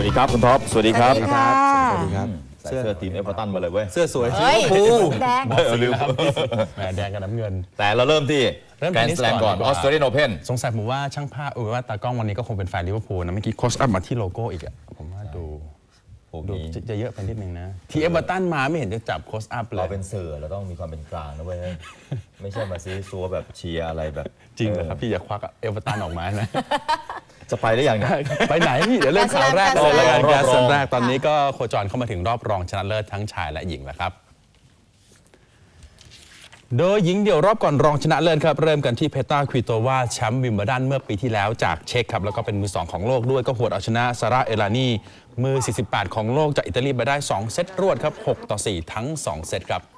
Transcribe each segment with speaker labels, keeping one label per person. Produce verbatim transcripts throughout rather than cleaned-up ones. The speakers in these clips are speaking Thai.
Speaker 1: ดีครับคุณท็อปสวัสดีครับสวั
Speaker 2: สดีครับ
Speaker 1: ใส่เสื้อทีมเอเวอร์ตันมาเลยเว้ย
Speaker 2: เสื้อสวยสีชมพู
Speaker 3: แดง
Speaker 1: ลืม
Speaker 2: แหมแดงกับน้ำเงิน
Speaker 1: แต่เราเริ่มที่แกรนด์สแลมก่อนออสเตรเลียนโอเพ่น
Speaker 2: สงสัยผมว่าช่างภาพเออว่าตากล้องวันนี้ก็คงเป็นแฟนลิเวอร์พูลนะเมื่อกี้โค้ชอัพมาที่โลโก้อีกอะผมว่าดูดูจะเยอะไปนิดนึงนะที่เอเวอร์ตันมาไม่เห็นจะจับโค้ชอัพเลย
Speaker 1: เราเป็นสื่อเราต้องมีความเป็นกลางนะเว้ยไม่ใช่มาซีซัวแบบเชียร์อะไรแบบ
Speaker 2: จริงเหรอครับพี่อย่าควักเอเวอร์ตันออกมานะ
Speaker 1: จะไปได้อย่างไร
Speaker 2: ไปไหนพี่เดี๋ยวเริ่มข่าวแรกเลยแล้วกันการส่วนแรกตอนนี้ก็โคจรเข้ามาถึงรอบรองชนะเลิศทั้งชายและหญิงแล้วครับโดยหญิงเดี่ยวรอบก่อนรองชนะเลิศครับเริ่มกันที่เพตราควิโตวาแชมป์วิมเบิลดันเมื่อปีที่แล้วจากเช็กครับแล้วก็เป็นมือสองของโลกด้วยก็หวดเอาชนะซาร่าเอลานีมือสี่สิบแปดของโลกจากอิตาลีไปได้สองเซตรวดครับหกต่อสี่ทั้งสองเซตครับ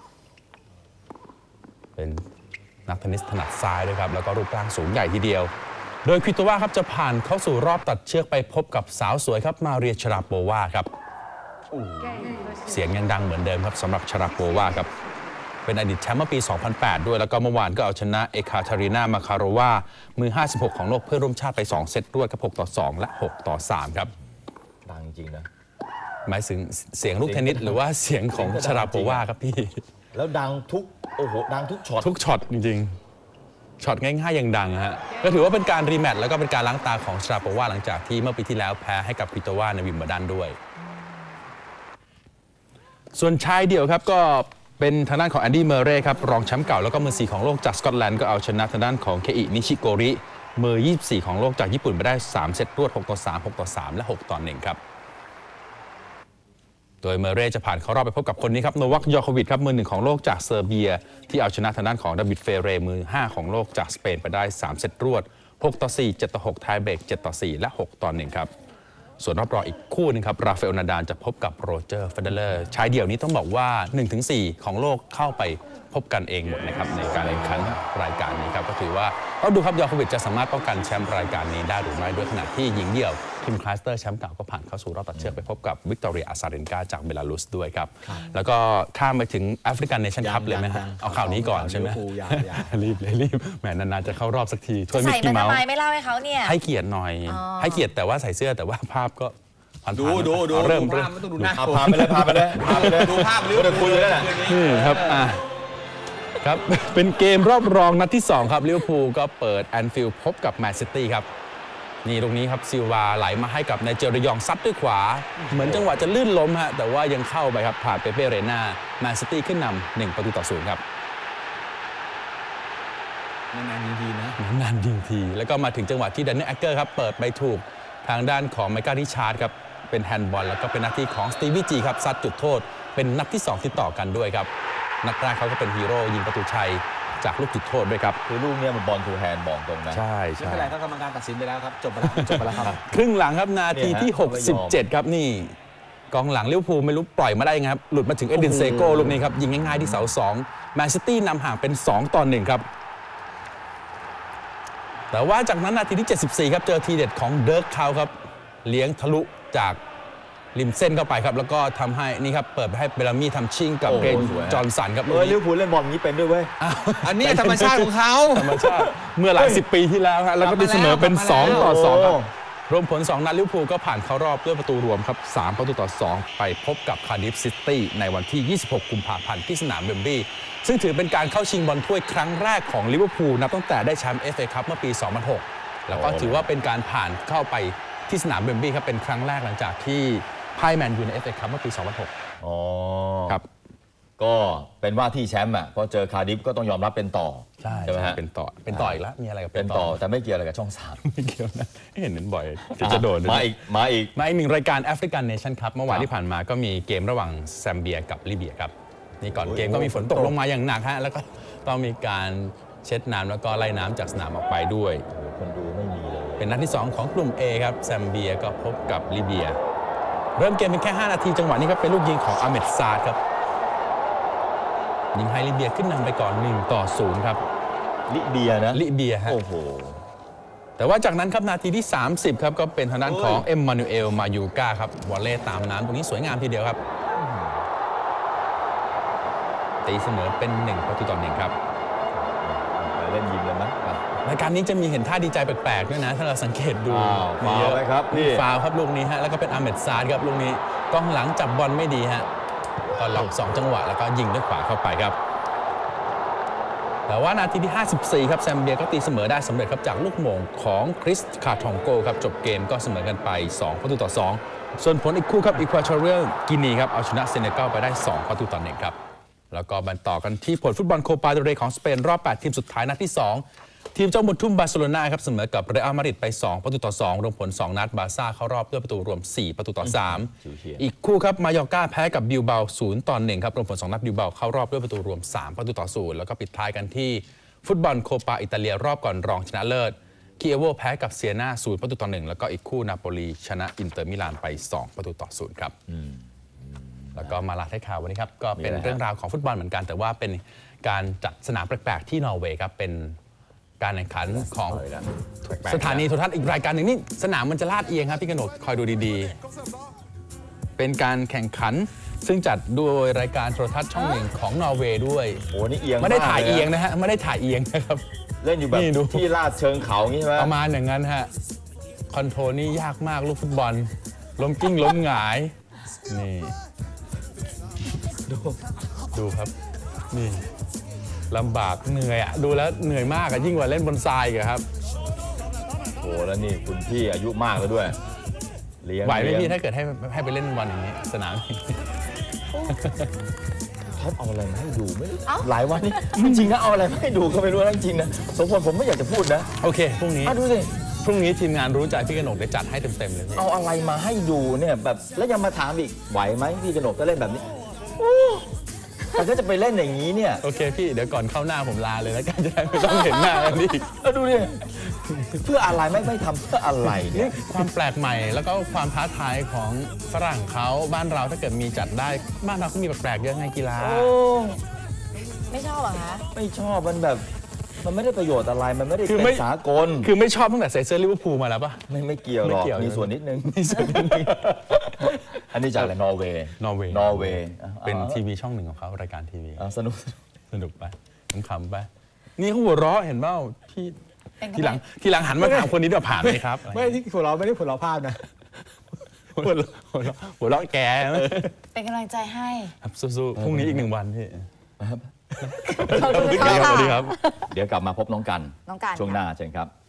Speaker 2: เป็นนักเทนนิสถนัดซ้ายด้วยครับแล้วก็รูปร่างสูงใหญ่ทีเดียวโดยควิโตวาครับจะผ่านเข้าสู่รอบตัดเชือกไปพบกับสาวสวยครับมาเรียชราโปวาครับเสียงยังดังเหมือนเดิมครับสำหรับชราโปวาครับเป็นอดีตแชมป์เมื่อปี สองพันแปด ด้วยแล้วก็เมื่อวานก็เอาชนะเอคาเทรีนามาคาโรวามือห้าสิบหกของโลกเพื่อร่วมชาติไปสองเซตรวดครับหกต่อสองและหกต่อสามครับ
Speaker 1: ดังจริงนะ
Speaker 2: หมายถึงเสียงลูกเทนนิสหรือว่าเสียงของชราโปวาครับพี่
Speaker 1: แล้วดังทุกโอ้โหดังทุกช็อต
Speaker 2: ทุกช็อตจริงๆช็อตง่ายๆยังดังฮะก็ถือว่าเป็นการรีแมตช์แล้วก็เป็นการล้างตาของชราโปวาหลังจากที่เมื่อปีที่แล้วแพ้ให้กับควิโตวาในวิมเบิลดันด้วยส่วนชายเดี่ยวครับก็เป็นทางด้านของแอนดี้เมอร์เรย์ครับรองแชมป์เก่าแล้วก็มือสี่ของโลกจากสกอตแลนด์ก็เอาชนะทางด้านของเคอินิชิโกริมือยี่สิบสี่ของโลกจากญี่ปุ่นไปได้สามเซตรวดหกต่อสาม หกต่อสามและหกต่อหนึ่งครับโดยเมอร์เรย์จะผ่านเข้ารอบไปพบกับคนนี้ครับโนวัคยอโควิชครับมือหนึ่งของโลกจากเซอร์เบียที่เอาชนะทางด้านของดาวิดเฟเรมือห้าของโลกจากสเปนไปได้สามเซตรวดหกต่อสี่ เจ็ดต่อหกไทยเบรกเจ็ดต่อสี่และหกต่อหนึ่งครับส่วนรอบรองอีกคู่นึงครับราฟาเอลนาดาลจะพบกับโรเจอร์เฟเดเลอร์ชายเดี่ยวนี้ต้องบอกว่า หนึ่งถึงสี่ ของโลกเข้าไปพบกันเองหมดนะครับในการแข่งขันรายการนี้ครับก็ถือว่าต้องดูครับยอโควิชจะสามารถป้องกันแชมป์รายการนี้ได้หรือไม่ด้วยขณะที่หญิงเดี่ยวคิมคลาสเตอร์แชมป์เก่าก็ผ่านเข้าสู่รอบตัดเชือกไปพบกับวิกตอเรียอาซาเรนกาจากเบลารุสด้วยครับแล้วก็ข้ามไปถึงแอฟริกันเนชั่นคัพเลยไหมฮะเอาข่าวนี้ก่อนใช่ไหมรีบเลยรีบแหมนานๆจะเข้ารอบสักที
Speaker 3: ถ้วยมิกกี้เมาส์ใส่มาทำไมไม่เล่าให้เขาเนี่ย
Speaker 2: ให้เกียรติหน่อยให้เกียรติแต่ว่าใส่เสื้อแต่ว่าภาพก็
Speaker 4: ดูดูดู
Speaker 2: เริ่ม
Speaker 4: เริ่มไม่ต้องดูหน้า
Speaker 1: พาไปเลยพาไปเลยพาไปเลย
Speaker 4: ดูภาพเรื่อง
Speaker 1: คุยเลยนะ
Speaker 2: นี่ครับอ่ะครับเป็นเกมรอบรองนัดที่สองครับลิเวอร์พูลก็เปิดแอนฟิลด์พบกับแมนซิตี้ครับนี่ตรงนี้ครับซิลวาไหลมาให้กับไนเจอริยองซัดด้วยขวาเหมือนจังหวะจะลื่นล้มฮะแต่ว่ายังเข้าไปครับผ่านเปเป้เรน่าแมนซิตี้ขึ้นนำหนึ่งประตูต่อศูนย์ครับ
Speaker 4: นานๆยิงทีนะ
Speaker 2: นานๆยิงทีแล้วก็มาถึงจังหวะที่แดนนี่แอคเกอร์ครับเปิดไปถูกทางด้านของไมเคิลริชาร์ดครับเป็นแฮนด์บอลแล้วก็เป็นหน้าที่ของสตีวีจีครับซัดจุดโทษเป็นนัดที่สองติดต่อกันด้วยครับนัดแรกเขาก็เป็นฮีโร่ยิงประตูชัยจากลูกจุดโทษด้วยครับ
Speaker 1: คือลูกนี้มันบอลทูแฮนด์บอกตรงนะ
Speaker 2: ใช่
Speaker 4: ใช่ไม่เป็นไรก็กรรมการตัดสินไปแล้วครับจบไปแล้วจบไปแล้วครับ
Speaker 2: ครึ่งหลังครับนาทีที่หกสิบเจ็ดครับนี่กองหลังลิเวอร์พูลไม่รู้ปล่อยมาได้ยังไงครับหลุดมาถึงเอ็ดดินเซโก้ลูกนี้ครับยิงง่ายๆที่เสาสองแมนซิตี้นำห่างเป็นสองต่อหนึ่งครับแต่ว่าจากนั้นนาทีที่เจ็ดสิบสี่ครับเจอทีเด็ดของเดิร์กคาวครับเลี้ยงทะลุจากริมเส้นเข้าไปครับแล้วก็ทำให้นี่ครับเปิดให้เบลามี่ทำชิงกับเกรนจอห์นสันครับ
Speaker 1: เออลิเวอร์พูลเล่นบอลนี้เป็นด้วยเว้ย
Speaker 4: อันนี้ธรรมชาติของเขา
Speaker 2: ธรรมชาติเมื่อหลายสิบปีที่แล้วฮะแล้วก็ตีเสมอเป็นสองต่อสองครับรวมผลสองนัดลิเวอร์พูลก็ผ่านเข้ารอบด้วยประตูรวมครับสามประตูต่อสองไปพบกับคาร์ดิฟซิตี้ในวันที่ยี่สิบหกกุมภาพันธ์ที่สนามเวมบลีย์ซึ่งถือเป็นการเข้าชิงบอลถ้วยครั้งแรกของลิเวอร์พูลนับตั้งแต่ได้แชมป์ เอฟ เอ คัพเมื่อปีสองพันหกแล้วก็ถือว่าเป็นการผ่านเข้าไปที่สนามเวมบลีย์ครับเป็นครั้งแรกหลังจากที่พ่ายแมนยูใน เอฟ เอ คัพเมื่อปีสองพันหก
Speaker 1: อ๋อ
Speaker 2: ครับ
Speaker 1: ก็เป็นว่าที่แชมป์อ่ะพอเจอคาร์ดิฟก็ต้องยอมรับเป็นต่อ
Speaker 2: ใช่ใช่ไหมฮะเป็นต่อเป็นต่ออีกแล้วมีอะไรกับ
Speaker 1: เป็นต่อแต่ไม่เกี่ยวอะไรกับช่องสาม
Speaker 2: ไม่เกี่ยวนะเห็นบ่อยจะโดน
Speaker 1: มาอีกมาอีก
Speaker 2: มาอีกหนึ่งรายการแอฟริกันเนชั่นคัพเมื่อวานที่ผ่านมาก็มีเกมระหว่างแซมเบียกับลิเบียครับนี่ก่อนเกมก็มีฝนตกลงมาอย่างหนักฮะแล้วก็ต้องมีการเช็ดน้ำแล้วก็ไล่น้ำจากสนามออกไปด้วย
Speaker 1: คนดูไม่มีเลย
Speaker 2: เป็นนัดที่สองของกลุ่ม A ครับแซมเบียก็พบกับลิเบียเริ่มเกมเป็นแค่ห้านาทีจังหวะนี้ครับเป็นลูกยิงของอาเมดซาดครับยิงให้ลิเบียขึ้นนำไปก่อนหนึ่งต่อศูนย์ครับ
Speaker 1: ลิเบียนะ
Speaker 2: ลิเบียฮะ
Speaker 1: โอ้โห
Speaker 2: แต่ว่าจากนั้นครับนาทีที่สามสิบครับก็เป็นทางด้านของเอ็มมานูเอลมายูกาครับวอลเล่ตามน้ำตรงนี้สวยงามทีเดียวครับตีเสมอเป็นหนึ่งประตูต่อหนึ่งครับ
Speaker 1: เล่นยิงเลยมั้ย
Speaker 2: รายการนี้จะมีเห็นท่าดีใจแปลกๆด้วยนะถ้าเราสังเกตดู
Speaker 1: อ้าว
Speaker 2: มีเยอะ
Speaker 1: ฟาวล์ไหมครับพี่
Speaker 2: ฟาวล์ครับลูกนี้ฮะแล้วก็เป็นอาเมดซาดครับลูกนี้กองหลังจับบอลไม่ดีฮะก็ล็อกสองจังหวะแล้วก็ยิงด้วยขวาเข้าไปครับแต่ว่านาทีที่ห้าสิบสี่ครับแซมเบียก็ตีเสมอได้สำเร็จครับจากลูกโมงของคริสคาทองโกครับจบเกมก็เสมอกันไปสองประตูต่อสองส่วนผลอีกคู่ครับอีควอทอเรียลกินีครับเอาชนะเซเนกัลไปได้สองประตูต่อหนึ่งครับแล้วก็บันต่อกันที่ผลฟุตบอลโคปาเดลเรย์ของสเปนรอบแปดทีมสุดท้ายนัดที่สองทีมเจ้าบุญทุ่มบาร์เซโลนาครับเสมอกับเรอัลมาดริดไปสองประตูต่อสองรวมผลสองนัดบาร์ซ่าเข้ารอบด้วยประตูรวมสี่ประตูต่อสามอีกคู่ครับมายอร์ก้าแพ้กับบิลเบาศูนย์ต่อหนึ่งครับรวมผลสองนัดบิลเบาเข้ารอบด้วยประตูรวมสามประตูต่อศูนย์แล้วก็ปิดท้ายกันที่ฟุตบอลโคปาอิตาเลียรอบก่อนรองชนะเลิศคีเอโวแพ้กับเซียนาศูนย์ประตูต่อหนึ่งแล้วก็อีกคู่นาโปลีชนะอินเตอร์มิลานไปสองประตูต่อศูนย์ครับแล้วก็มาลาท้ายข่าววันนี้ครับก็เป็นเรื่องราวของฟุตบอลเหมือนกันแต่ว่าเป็นการจัดสนามแปลกๆที่นอร์เวย์ครับเป็นการแข่งขันของสถานีโทรทัศน์อีกรายการหนึ่งนี่สนามมันจะลาดเอียงครับพี่กนกคอยดูดีๆเป็นการแข่งขันซึ่งจัดโดยรายการโทรทัศน์ช่องหนึ่งของนอร์เวย์ด้วย
Speaker 1: โอ้นี่เอียง
Speaker 2: ไม่ได้ถ่าย
Speaker 1: กล
Speaker 2: เอียงนะฮะไม่ได้ถ่ายเอียงนะครับ
Speaker 1: เล่นอยู่แบบ
Speaker 2: นี่ดู
Speaker 1: ที่ลาดเชิงเขาอย่างนี้ใช่ไหม
Speaker 2: ประมาณอย่างนั้นฮะคอนโทรลนี่ยากมากลูกฟุตบอลล้มกิ้งล้มหงายนี่ดูดูครับนี่ลำบากเหนื่อยอะดูแล้วเหนื่อยมากอะยิ่งกว่าเล่นบนทรายอีกอะครับ
Speaker 1: โอ้แล้วนี่คุณพี่อายุมากแล้วด้วยเลี้ยง
Speaker 2: ไหวไหม
Speaker 1: เลี้ยง
Speaker 2: พี่ถ้าเกิดให้ให้ไปเล่นบอลอย่างนี้สนาม
Speaker 1: ท็อปเอาอะไรมาให้ดูไม่รู้หลายวันนี้จริงๆนะเอาอะไรมาให้ดูก็ไม่รู้นะจริงๆนะสมพรผมไม่อยากจะพูดนะ
Speaker 2: โอเคพรุ่งนี้
Speaker 1: อ่ะดูสิ
Speaker 2: พรุ่งนี้ทีมงานรู้ใจพี่กนกได้จัดให้เต็มๆเลยพี่
Speaker 1: เอาอะไรมาให้ดูเนี่ยแบบแล้วยังมาถามอีกไหวไหมพี่กนกก็เล่นแบบนี้แต่ถ้าจะไปเล่นอย่างนี้เนี่ย
Speaker 2: โอเคพี่เดี๋ยวก่อนเข้าหน้าผมลาเลยแล้วกันจะได้ไม่ต้องเห็นหน้ากันอีก
Speaker 1: เอาดูดิเพื่ออะไรไม่ไม่ทำเพื่ออะไรเนี่
Speaker 2: นี่
Speaker 1: ย
Speaker 2: ความแปลกใหม่แล้วก็ความท้าทายของฝรั่งเขาบ้านเราถ้าเกิดมีจัดได้บ้านเราก็มีแปลกๆเยอะไงกีฬา
Speaker 1: โอ้
Speaker 3: ไม่ชอบเหรอคะ
Speaker 1: ไม่ชอบมันแบบมันไม่ได้ประโยชน์อะไรมันไม่ได้
Speaker 2: คือ
Speaker 1: เป็
Speaker 2: ไม่
Speaker 1: นสากล
Speaker 2: คือไม่ชอบตั้งแต่ใส่เสื้อลิเวอร์พูลมาแล้วปะ
Speaker 1: ไม่ไม่เกี่ยวหรอก
Speaker 2: ไม่เกี่ยว
Speaker 1: มีส่วนนิดนึง
Speaker 2: มีส่วนนิดนึง
Speaker 1: อันนี้จากอะไรนอร์เวย์
Speaker 2: นอร์เวย์
Speaker 1: นอร์เวย์
Speaker 2: เป็นทีวีช่องหนึ่งของเขารายการทีวี
Speaker 1: อ่ะสนุก
Speaker 2: สนุกไปขำๆไปนี่เขาหัวเราะเห็นเปล่าพี่
Speaker 3: เป็นกำลัง
Speaker 2: ทีหลังทีหลังหันมาถามคนนี้ด้วยผ่านไหมครับ
Speaker 4: ไม่ที่หัวเราะไม่ได้หัวเราะภาพนะ
Speaker 2: หัวเราะหัวเราะหัวเราะแก
Speaker 3: เป็นกำลังใจให้
Speaker 2: ครับสู้ๆพรุ่งนี้อีกหนึ่งวันพี่
Speaker 3: ขอบคุณ
Speaker 2: ส
Speaker 3: ค่ะ
Speaker 2: วัสดีครับ
Speaker 1: เดี๋ยวกลับมาพบน้องกัน
Speaker 3: น้องกัน
Speaker 1: ช่วงหน้าเชิญครับ